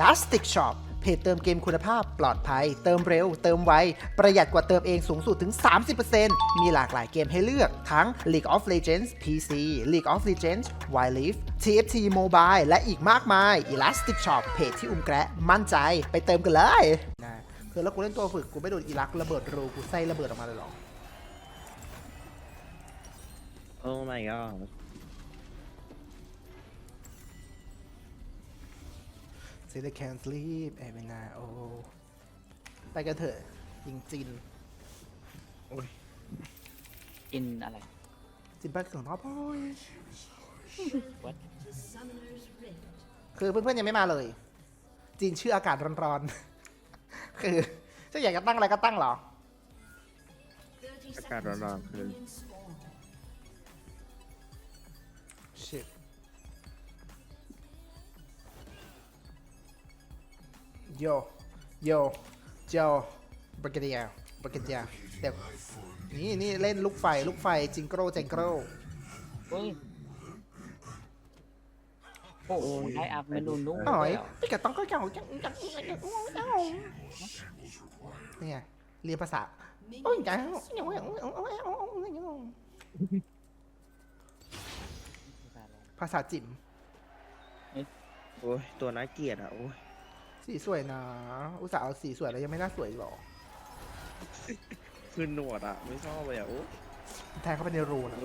Elastic Shop เพจเติมเกมคุณภาพปลอดภัยเติมเร็วเติมไวประหยัดกว่าเติมเองสูงสุดถึง 30% มีหลากหลายเกมให้เลือกทั้ง League of Legends PC League of Legends Wild Rift TFT Mobile และอีกมากมาย Elastic Shop เพจที่อุ้มแกะมั่นใจไปเติมกันเลยนะคือแล้วกูเล่นตัวฝึกกูไม่โดนอีลักระเบิดรูกูไส้ระเบิดออกมาเลยหรอ Oh my god Say they can't sleep every night โอ้ไปกันเถอะยิงจินกินอะไรจินไปถึงท็อปพอย What? คือเพื่อนๆยังไม่มาเลย จีนชื่ออากาศร้อนๆ คือจะอยากจะตั้งอะไรก็ตั้งเหรออากาศร้อนๆคือ Shit โยโยโจบริกเดียบริกเดียเดี๋ยวนี่เล่นลูกไฟจิงโกรเจงโกรเฮ้ย โอ้โหได้อัพเมนูนุ่มอ๋อยเลยเหรอพี่กะต้องก็เก่าจังนี่ไงเรียนภาษาโอ้ยจังภาษาจิ๋มโอ้ยตัวน่าเกลียดอ่ะโอ้ยสีสวยนะอุตส่าห์เอาสีสวยแล้วยังไม่น่าสวยอีกหรอคือหนวดอ่ะไม่ชอบเลยอ่ะโอ้แทงเข้าไปในรูนะ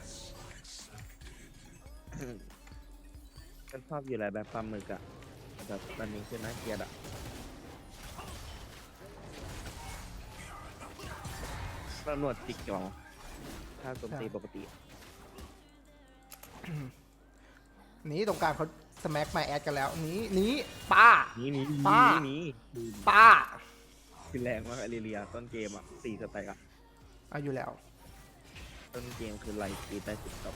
ฉันชอบอยู่แล้วแบบปลาหมึกอ่ะแบบตอนนี้คือน่าเกลียดอ่ะแล้วหนวดจิกจอถ้าโจมตีปกตินี่ตรงกลางเขาสแม็กมาแอดกันแล้วนี้ป้านี่ป้านี่ป้าคือแรงมากอเรียต้นเกมอ่ะ4 สแต็กอ่ะเอาอยู่แล้วต้นเกมคือไล่ตีได้10 ดอก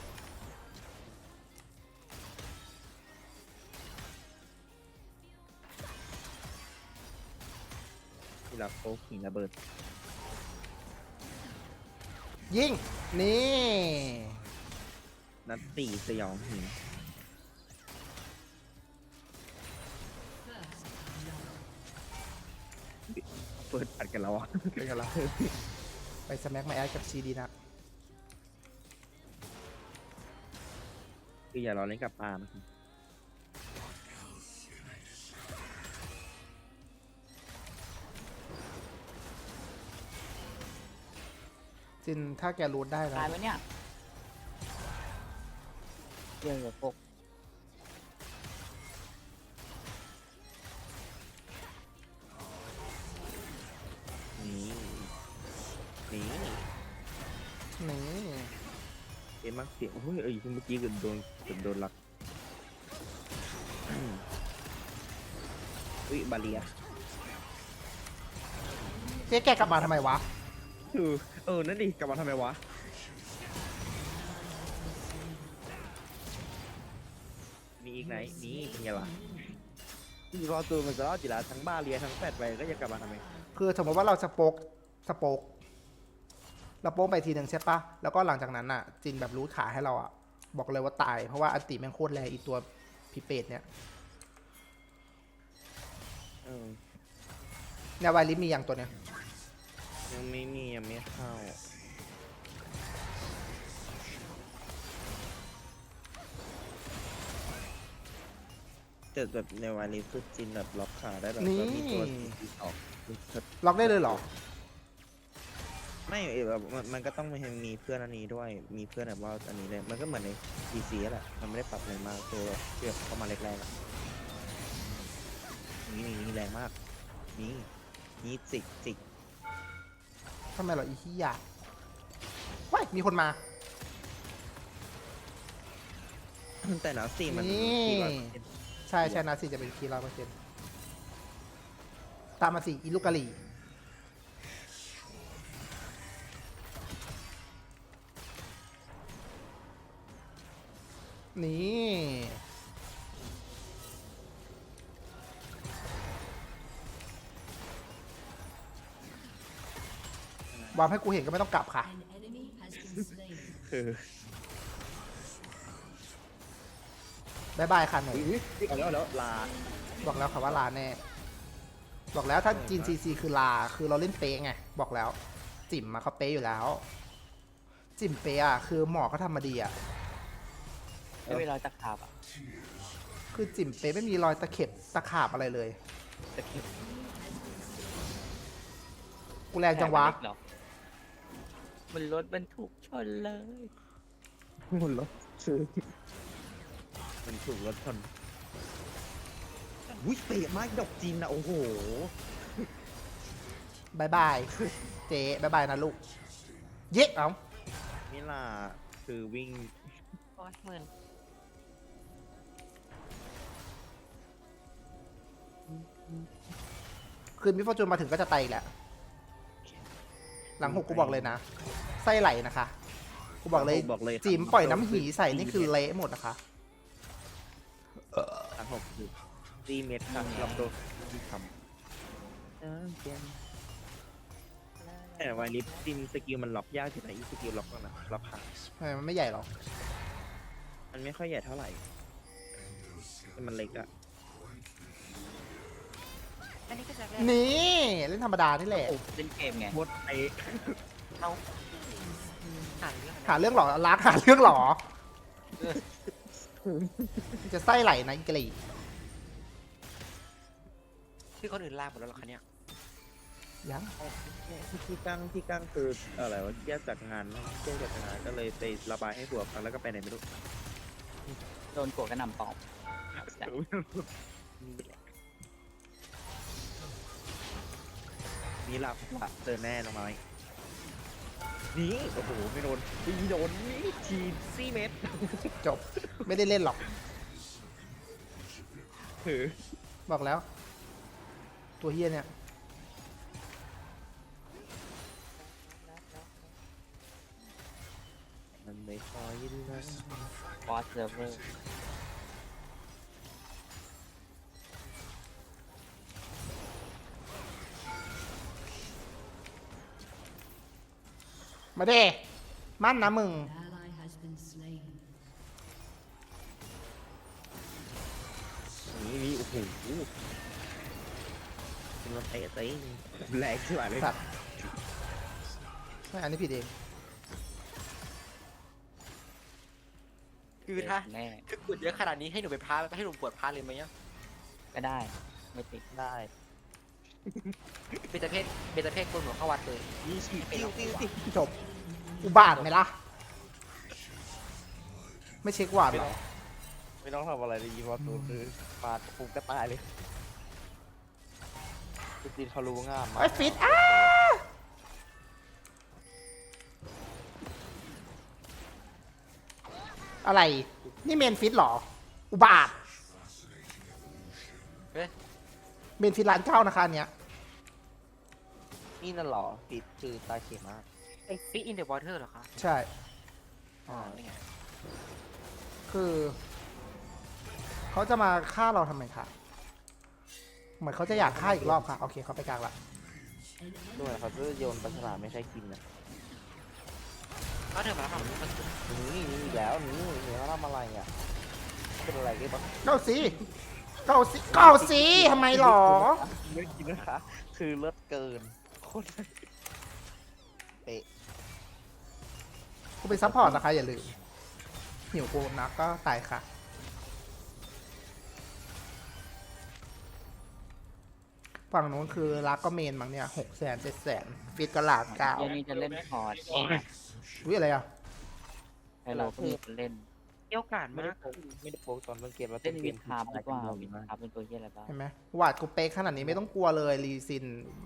ที่รักโป๊กหินระเบิดยิงนี่นัดตีสยองหินเปิดอัดกันแล้วอ่ะไปกันละไปสแม็กมาแอดกับชีดีนะคืออย่ารอเล่นกับปลานะครับจินถ้าแกรูดได้นะตายไหมเนี่ยเรื่องกับพวกนี่นี่นี่เอ็มมักเสียงโอ้ยเมื่อกี้เกือบโดนลักอุ้ยบาเลียเจ๊แกกลับมาทำไมวะนั่นดิกลับมาทำไมวะมีอีกไหนนี่เป็นไงล่ะรอตัวมันจะรอดจีละทั้งบาเลียทั้งแฟดไปก็ยังกลับมาทำไมคือสมมติว่าเราสโปกเราโป๊กไปทีหนึ่งใช่ปะแล้วก็หลังจากนั้นอ่ะ จินแบบรู้ขาให้เราอ่ะ บอกเลยว่าตาย เพราะว่าอันติแม่งโคตรแรงอีตัวพิเปตเนี่ยเนี่ยวายลิฟมีอย่างตัวเนี้ยยังไม่มียังไม่เข้าแต่แบบในวันนี้คือจินแบบล็อกขาได้แบบก็มีตัวที่ออกล็อกได้เลยเหรอไม่แบบมันก็ต้องมีเพื่อนอันนี้ด้วยมีเพื่อนแบบว่าอันนี้เลยมันก็เหมือนใน DC แหละมันไม่ได้ปรับอะไรมากตัวเชื่อเข้ามาแรกๆอะนี่แรงมากนี่จิกทำไมเหรออีขี้ยาว้ายมีคนมาแต่หนาวสี่มันนี่ที่ว่าใช่นาซีจะเป็นคีร้อยเปอร์เซ็นต์ตามมาสิอีลูกกะหรี่นี่วางให้กูเห็นก็ไม่ต้องกลับค่ะคือบายบายค่ะหนูเอาแล้วลาบอกแล้วค่ะว่าลาแน่ บอกแล้วถ้าจีนซีซีคือลาคือเราเล่นเป๊ะไงบอกแล้ว จิ๋มมาเขาเป๊ะอยู่แล้ว จิ๋มเป๊ะอะคือหมอเขาทำมาดีอะไม่เวลาจะขาบอ่ะคือจิ๋มเป๊ะไม่มีรอยตะเข็บตะขาบอะไรเลยจะเก็บกูแรงจังวะแผลมันเล็กเหรอมันรถบรรทุกชนเลยหมุนรถคือมันถูกรถชนอุ้ยเตะมากดอกจีนนะโอ้โหบายบาย เจ๊บายบายนะลูก เย้เอ้ามิลาคือวิ่งโอ้ยหมื่นคืนมิฟอร์จูนมาถึงก็จะไตอีกแหละ หลังหกกูบอกเลยนะ ไส้ไหลนะคะ กูบอกเลยบอกเลยจิ๋มปล่อยน้ำหีใส่นี่คือเละหมดนะคะทั้งหกคือตีเม็ดครับลองดูที่ทำแต่วันนี้ทีมสกิลมันล็อกยากที่ไหนอีสกิลล็อกก็นะล็อกขาทำไมมันไม่ใหญ่หรอมันไม่ค่อยใหญ่เท่าไหร่แต่มันเล็กอะอันนี้ก็จะนี่ เล่นธรรมดานี่แหละเล่นเกมไงโคตรเตะเอาอ่านเรื่องหาเรื่องหรอรักหาเรื่องหรอ จะไส้ไหลนะอีกลีที่คนอื่นลากหมดแล้วเหรอคะเนี่ยยังที่กั้งคืออะไรวะแยกจากงานแยกจากงานก็เลยไประบายให้ผัวฟังแล้วก็ไปไหนไม่รู้โดนกดกระหน่ำตอบนี่หลับเจอแน่น้องไม้นี่โอ้โหไม่โดนตีโดนนี่ทีซี่เมตรจบ ไม่ได้เล่นหรอกถือบอกแล้ว ตัวเฮียเนี่ยมันไม่คอยยินนะบอสเซิร์ฟเวอร์มาเด้มั่นนะมึง Ally has been slain. นี่โอ้โหเป็นรถเตะเตะแรงใช่ไหมเลยสัตว์ไม่อันนี้ผิดเองคือถ้าแน่คือปวดเยอะขนาดนี้ให้หนูไปพาให้หนูปวดพาเลยไหมเนี่ยก็ได้ไม่ติดได้เบญจเพศกลัวหนูเข้าวัดเลยนี่ฉีดติ้วจบ อุบาทไหมล่ะ ไม่เช็คหวาดหรอไม่ต้องทำอะไรเลยยีว่าตัวคือปาดปุ๊บก็ตายเลยคือจีนเขารู้งามมากไอ้ฟิตอ้าอะไร นี่เมนฟิตเหรอ อุบาทเฮ้ยเมนฟิตร้านเก้านะคะอันเนี้ยนี่นั่นหรอฟิตคือตาเขียมากไอ้ฟิตอินเดอะวอเตอร์เหรอคะใช่อ๋อนี่ไงคือ เขาจะมาฆ่าเราทำไมคะ เหมือนเขาจะอยากฆ่าอีกรอบค่ะ โอเคเขาไปกลางละด้วยเขาจะโยนปลาฉลามไม่ใช่กินนะก็เธอมาแล้วค่ะมันนี่อีกแล้วนี่เขาทำอะไรอ่ะเป็นอะไรกันบ้างเก้าสิเก้าสิเก้าสิทำไมหรอไม่กินนะคะ คือเลิศเกินโคตรเป๊ะกูเป็นซัพพอร์ตนะคะอย่าลืม หิวกูนักก็ตายค่ะ ฝั่งนู้นคือรักก็เมนมั้งเนี่ย600,000 700,000ฟิตก็หลาดเก้าเดี๋ยวนี้จะเล่นคอร์ดอุ้ยอะไรอ่ะไฮโลก็มีคนเล่นเกี่ยวกาดไม่มาได้กโป๊กไม่ได้โป๊กตอนต้นเกมแล้วเล่นวิดคคาร์บหรือเปล่าวิดคาร์บเป็นตัวเหี้ยอะไรบ้างเห็นไหมหวาดกูเป๊กขนาดนี้ไม่ต้องกลัวเลยรีซิน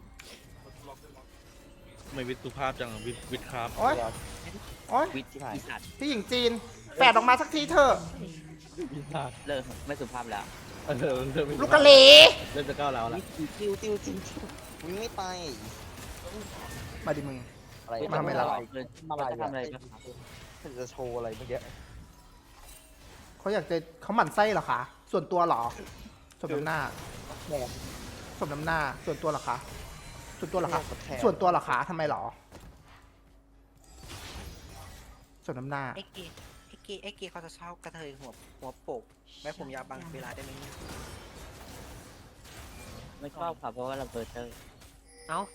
ไม่วิทย์สุภาพจังวิทย์ครับโอ๊ยโอ๊ยวิดที่สัตว์พี่หญิงจีนแปดออกมาสักทีเถอะเลิกไม่สุภาพแล้วเริ่มลูกกะเหลเริ่มจะก้าวแล้วละติ้วมึงไม่ไปมาดิมึงอะไรมาทำไมล่ะเราจะทำอะไรกันจะโชว์อะไรเมื่อกี้เขาอยากจะเขาหมั่นไส้เหรอคะ ส่วนตัวเหรอสมน้ำหน้าแหมสมน้ำหน้า ส่วนตัวเหรอคะ ส่วนตัวเหรอคะแถมส่วนตัวเหรอคะทำไมเหรอสมน้ำหน้าไอ้เกเขาจะเช่ากระเทยหัวโปกแม่ผมยาวบางเวลาได้ไหมเนี่ยไม่ชอบค่ะเพราะว่าเราเบิร์เตอร์เอ้า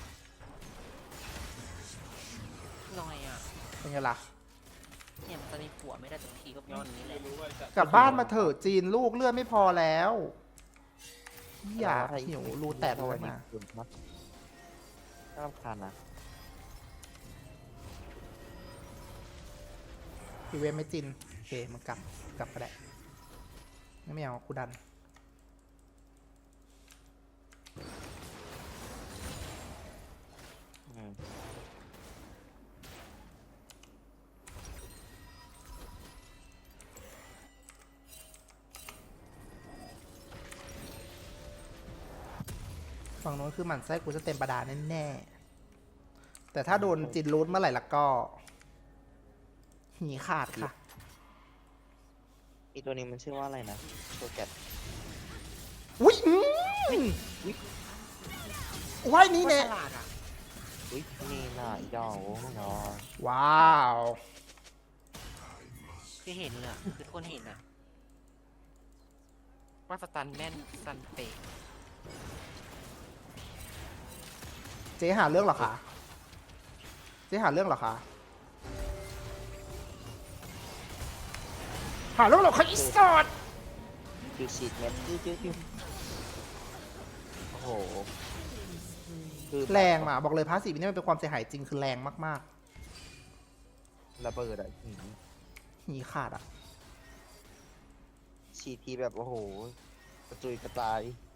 หน่อยอ่ะเป็นไงล่ะเนี่ยมันจะมีผัวไม่ได้สักทีก็ย้อนนี้แหละกลับบ้านมาเถอะจีนลูกเลือดไม่พอแล้วอย่าหิวรูแตกเพราะเลว่าย นี่นะคุณมัดน่ารำคาญนะพี่เวฟไม่จินโอเคมันกลับก็ได้ไม่เอากูดันอืมฝั่งโน้นคือหมั่นไส้กูจะเต็มประดาแน่ๆแต่ถ้าโดนจินรูทเมื่อไหร่ละก็หีขาดค่ะอีตัวนี้มันชื่อว่าอะไรนะโชแกตอุ้ยว่ายนี้โคตรแน่ฉลาดอ่ะอุ้ยนี่น่าเจ้าเนาะว้าวคือเห็นเลยอะคือทุกคนเห็นอะว่าสตันแม่นสตันเปะเจ๊หาเรื่องเหรอคะเจ๊หาเรื่องเหรอคะหาเรื่องเหรอคะอีสอดคิวฉีดเม็ดจิ้วโอ้โหคือแรงอ่ะบอกเลยพาสซีฟนี่มันเป็นความเสียหายจริงคือแรงมากระเบิดอ่ะหืมๆหีขาดอ่ะฉีดทีแบบโอ้โหกระจุยกระจาย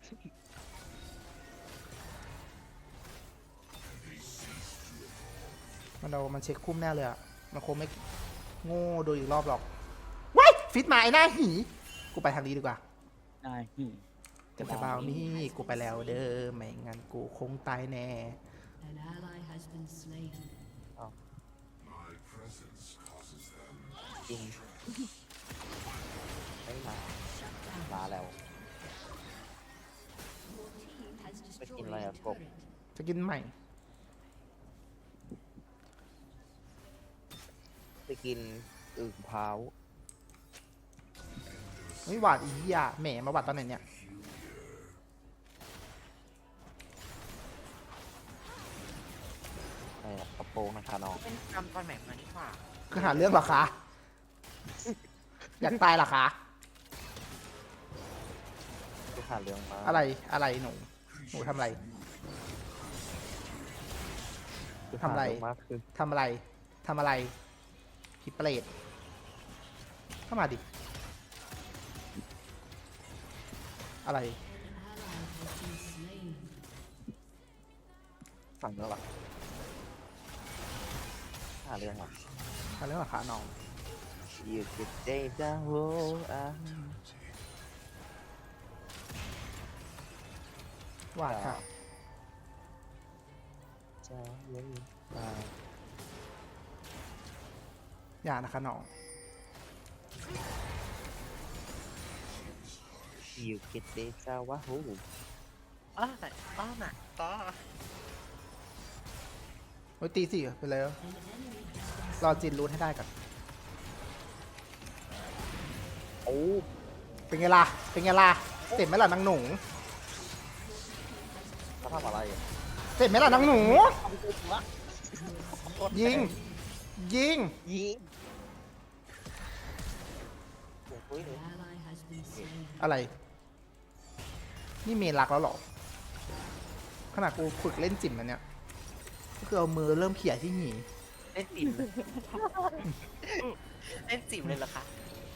มันเช็คคุ้มแน่เลยอ่ะมันคงไม่โง่โดยอีกรอบหรอกว้ายฟิตมาไอ้หน้าหีกูไปทางนี้ดีกว่าได้จะไปเบานี่กูไปแล้วเด้อไม่งั้นกูคงตายแน่ An ally has been slain. จริงไม่มาแล้ว Your team has destroyed Fucking liar, a go. turret. จะกินใหม่ไปกินอึ่งเท้าไม่หวาดอีหยาแหมมาหวาดตอนไหนเนี่ยอะไรอะกระโปรงนะคะน้องเป็นกรรมตอนแหม่มานี่ว่าคือหาเรื่องเหรอคะ อยากตายเหรอคะทุกหาเรื่องมาอะไรหนูทำอะไรทุกทำอะไรหาเงมากคือทำอะไรผีเปรตเข้ามาดิ อะไร An ally has been slain. ฝั่งแล้วหรอหาเรื่องเหรอหาเรื่องเหรอคะน้อง You could say the whole หวาดค่ะจะเว้นมาอย่านะคะน้อง You could say the whole อ้าวแต่อ้าวน่ะต่อโอ้ยตีสิไปเลย An enemy has been รอจินรูทให้ได้ก่อนโอ้เป็นไงล่ะ เป็นไงล่ะ เสร็จไหมล่ะนางหนูเขาทำอะไรอ่ะเสร็จไหมล่ะนางหนู ยิงยิง An ally has been slain. อะไร นี่เมนรักแล้วเหรอ ขนาดกูฝึกเล่นจิ๋มแล้วเนี่ย ก็คือเอามือเริ่มเขี่ยที่หนีเล่นจิ๋มเลยเล่นจิ๋มเลยเหรอคะ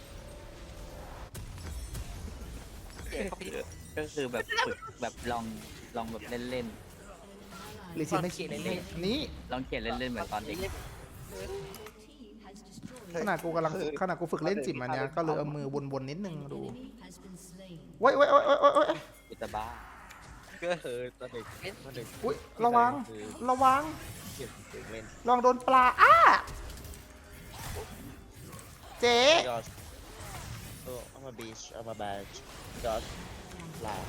เจ๊เขาไปก็คือแบบฝึกแบบลองแบบเล่นหรือจิ๋มไม่เขียนเล่นนี่ๆลองเขียนเล่นๆเหมือนตอนเด็ก Your team has destroyed ขนาดกูกำลังขนาดกูฝึกเล่นจิ๋มอันเนี้ยก็เลยเอามือวนๆนิดนึง an ดู enemy has been slain. โว้ยโว้ยโว้ยโว้ยโว้ยโว้ยกูจะบ้าก็คือตอนเด็กตอนเด็กอุ๊ยระวัง ระวังเก็บเด็กเล่นลองโดนปลา อ้า เจ๊ Gosh oh I'm a beach I'm a badge Gosh ลา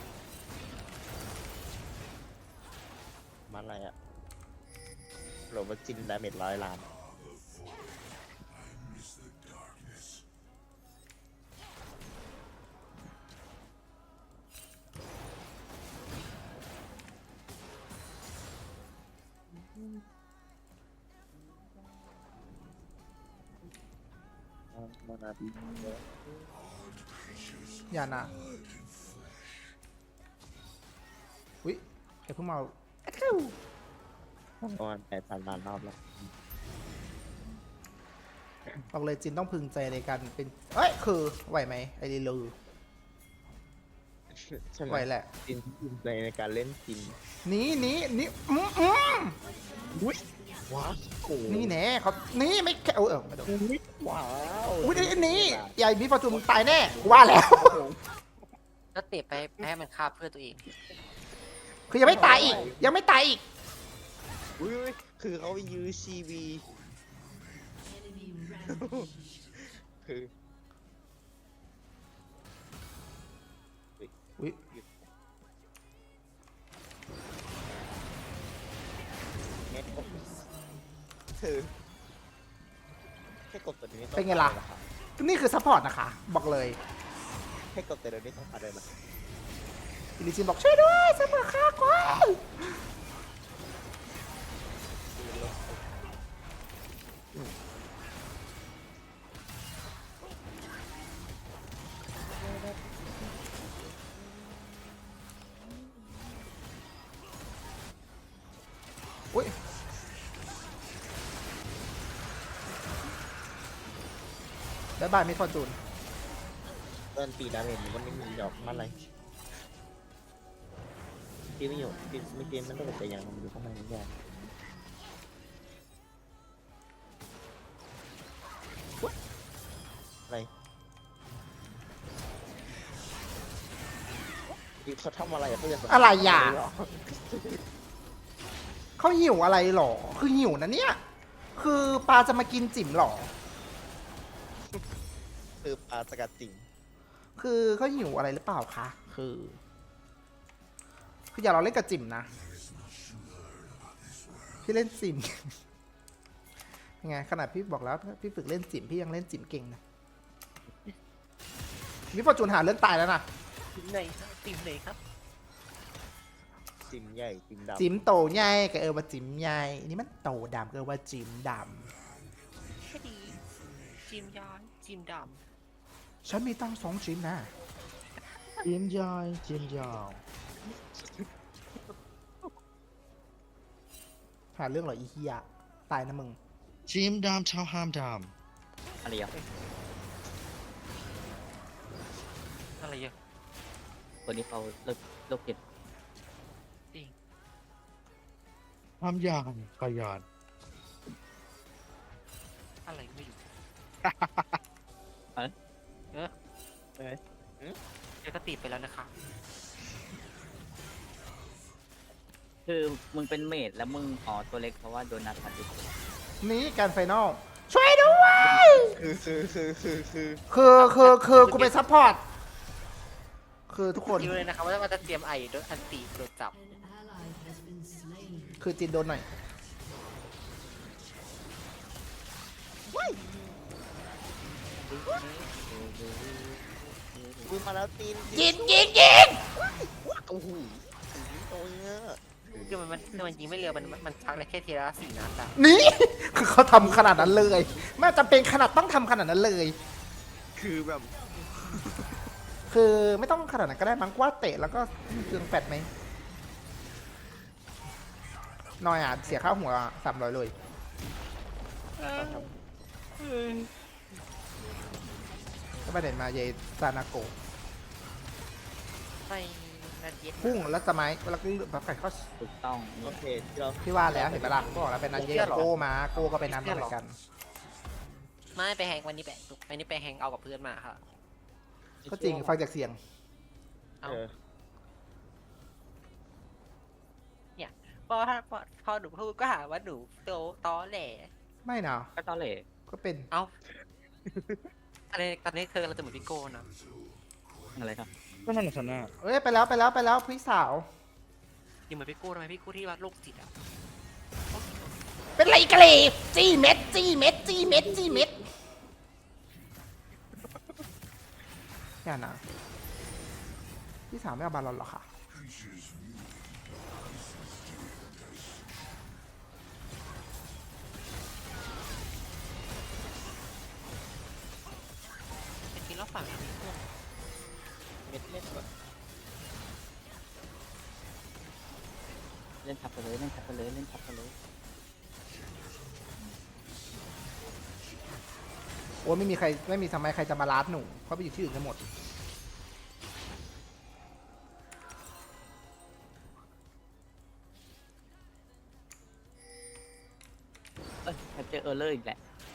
มันอะไรอ่ะโหลดว่าจินดาเมจ100 ล้านมานาบีเยอะอย่านะอุ้ยใครเพิ่งมาเข้าประมาณ8,000 ล้านรอบแล้วบอกเลยจินต้องพึงใจในการเป็นเอ้ยคือไหวไหมไอ้ลีลูใช่ไหมไหวแหละจินภูมิใจในการเล่นจินหนี่อืมว้าวโอ้นี่แน่เขานี่ไม่แค่ไม่โดนว้าวอุ้ยนี่ใหญ่มีฟอร์จูนตายแน่ว่าแล้วแล้วเตะไปแพ้มันฆ่าเพื่อนตัวเองคือยังไม่ตายอีก ยังไม่ตายอีกอุ้ยคือเขายื้อชีวี Enemy rampage. คืออุ้ยเน็ตคือแค่กดตัวนี้ต้องเป็นไงล่ะ นี่คือซัพพอร์ตนะคะ บอกเลยแค่กดตัวนี้ต้องอะไรนะอิลิจินบอกช่วยด้วยซัพพอร์ตค่ะกว่าอุ้ยบ๊ายบายมิสฟอร์จูนเดินตีดาเมจมันก็ไม่มีดอกมันอะไรที่ไม่อยู่ที่ไม่เกมมันต้องเป็นแต่อย่างมันอยู่ข้างในนี่แหละอะไรเขาทำอะไรเขาจะอะไรอ่ะ เขาหิวอะไรหรอ คือหิวนะเนี่ย คือปลาจะมากินจิ๋มหรอคือปลาสกัดติ่งคือเขาหิวอะไรหรือเปล่าคะ คืออย่าเราเล่นกับจิ๋มนะ พี่เล่นจิ๋ม ยังไงขนาดพี่บอกแล้วพี่ฝึกเล่นจิ๋มพี่ยังเล่นจิ๋มเก่งนะมิฟอร์จูนหาเรื่องตายแล้วนะทีมไหนครับทีมไหนครับจิ่มใหญ่จิ่มดำจิ๋มโตใหญ่กับว่าจิ๋มใหญ่นี่มันโตดำกับว่าจิ๋มดแค่ดีจิมย้อนจิมดำฉันมีตั้ง2จิ๋มนะจิมยายจิมยาวหาเรื่องเหรออีเฮียตายนะมึงจิมดามชาวฮามดามอะไรอ่ะำอะไรเยอะตัวนี้เขาเลิกเก็บฮามยานขยานอะไรไม่รู้เดี๋ยวก็ติดไปแล้วนะคะคือมึงเป็นเมดแล้วมึงอ๋อตัวเล็กเพราะว่าโดนนัดพันธุ์นี่การไฟนอลช่วยด้วย คือกูเป็นซัพพอร์ต คือทุกคนคิดเลยนะครับว่ามันจะเตรียมไอโดนอันตีโดนจับ An ally has been slain. คือจินโดนหน่อยอุ้ยมาแล้วตีนยิงโอ้โหโอ้ยเนี่ยคือมันยิงไม่เร็วมันชักได้แค่ทีละ4 นัดอะนี่ คือเขาทำขนาดนั้นเลย ไม่จำเป็นขนาดต้องทำขนาดนั้นเลยคือแบบคือไม่ต้องขนาดนั้นก็ได้มั้งกว่าเตะแล้วก็เครื่องแฟดไหมน้อยอ่ะเสียค่าหัว300เลยก็ประเด็นมาเยซานาโกะไปนาเย็ดพุ่งแล้วสมัยแล้วก็แบบไก่เขาถูกต้องโอเคที่เราพี่ว่าแล้วเห็นปะล่ะก็บอกแล้วเป็นนันเยกับโก้มาโก้ก็เป็นนันมาเหมือนกันไม่ไปแฮงวันนี้ไปแฮงเอากับเพื่อนมาค่ะก็จริงฟังจากเสียงเอาเออพอหนูพูดก็หาว่าหนูตอแหล่ไม่นะก็ตอนเหล่ก็เป็นเอาตอนนี้เธอเราจะเหมือนพี่โก้นะอะไรครับก็นั่นแหละชนะเอ้ยไปแล้วพี่สาวยังเหมือนพี่โก้ทำไมพี่โก้ที่ว่าโรคจิตอะเป็นไรกันเลยจี้เม็ดอย่านะพี่สาวไม่เอาบาลอนหรอคะล่นทับไปเลยเล่นทับไปเลยเล่นทับไปเลยโอ้ยไม่มีทำไมใครจะมาลาดหนูเขาไปอยู่ที่อื่นกันหมดแคปเจอร์เออร์เลอร์อีกแหละ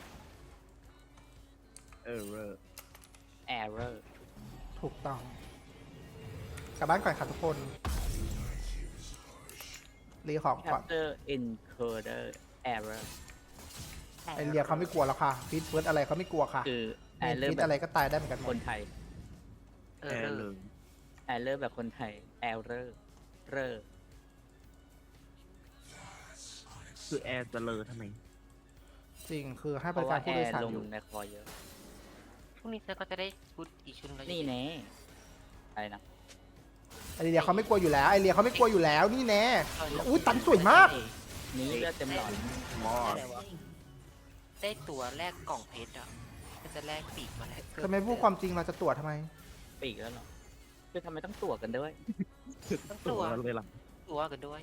เออแอร์เรอร์ถูกต้องกลับบ้านก่อนค่ะทุกคนรีของแคก่ปอนเจอร์อินโคเดอร์แอร์เรอร์ไอเรียเขาไม่กลัวแล้วค่ะฟิตเฟิร์สอะไรเขาไม่กลัวค่ะคือแอเมนร์เรอฟิร์ตแบอะไรบก็ตายได้เหมือนกันหมคดนไทยเอแออร์เลยแอร์เรอร์แบบคนไทยแอร์เรอร์เรอร์คือแอร์จะเลอทำไมจริงคือให้เพบริราะกาว่าร แอผู้โดยร์สารลงอยู่ในคอเยอะพรุ่งนี้เธอก็จะได้ชุดอีกชุดแล้วนี่แน่อะไรนะไอเรียเขาไม่กลัวอยู่แล้วไอเรียเขาไม่กลัวอยู่แล้วนี่แน่อุ้ยตันสวยมากนี่เลือดเต็มหลอดมอดได้ตัวแรกกล่องเพชรอ่ะก็จะแลกปีกมาแล้วทำไมพูดความจริงเราจะตรวจทำไมปีกแล้วเหรอคือทำไมต้องตัวกันด้วยต้องตัตัว วเลยล่ะตัวกันด้วย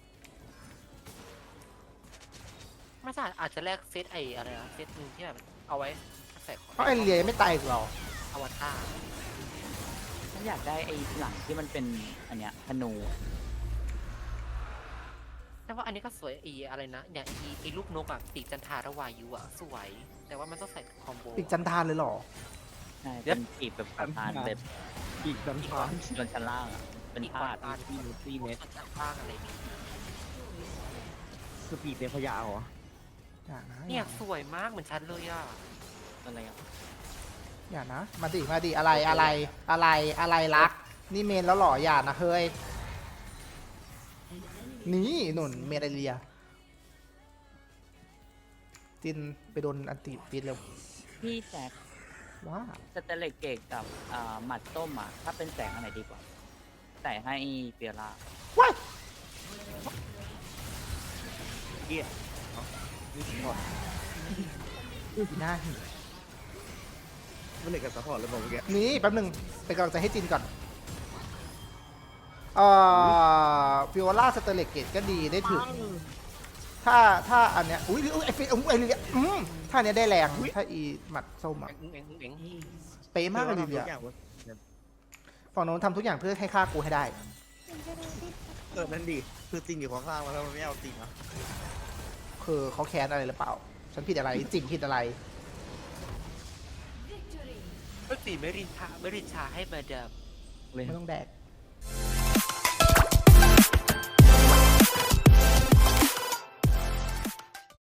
ไม่ใช่อาจจะแลกเซตไออะไรนะเซตหนึงที่แบบเอาไว้ใส่ของเพราะไอเรียยังไม่ตายอีกหรออวตารฉันอยากได้ไอ้หลังที่มันเป็นอันเนี้ยธนูแต่ว่าอันนี้ก็สวยอีอะไรนะเนี่ยอีลูกนกอ่ะปีกจันทาระวายุอ่ะสวย แต่ว่ามันต้องใส่คอมโบปีกจันทานเลยเหรอใช่เป็นปีกแบบประธานแบบอีกดันทางบนชั้นล่างอ่ะ เป็นพาดที่นูตี้เน็ตมันจะบ้างอะไรนี่คือปีเป็นพยาเหรออย่านะเนี่ยสวยมากเหมือนฉันเลยอ่ะอะไรอ่ะอย่านะมาดิอะไรรัก นี่เมนแล้วเหรออย่านะเฮ้ยนี่หนุนเมนไอเรียจินไปโดนอันติฟิตเร็วพี่แจ็คว้าสเตเลตเกตกับหมัดส้มอ่ะ ถ้าเป็นแสงอันไหนดีกว่า ใส่ให้เปียร่าว้ายเกียนี่สปอร์ตอีหน้าหิไม่เลยกับสปอร์ตเลยบอกเมื่อกี้นี่แป๊บหนึงเป็นกำลังใจให้จินก่อนฟิโอล่าสเตเลตเกตก็ดีได้ถึง ถ้าอันเนี้ยอุ้ยไอฟิไอเรียถ้าอันเนี้ยได้แรงถ้าอีหมัดส้มอะเอ็งเป๊ะมากเลยเรียฝั่งโน้นทำทุกอย่างเพื่อให้ฆ่ากูให้ได้นั่นดิคือจริงอยู่ข้างๆแล้วมันไม่เอาจริงอ่ะคือเขาแค้นอะไรหรือเปล่า ฉันผิดอะไรจินผิดอะไรก็สีไม่รินชาให้มาเดิมเลยไม่ต้องแดก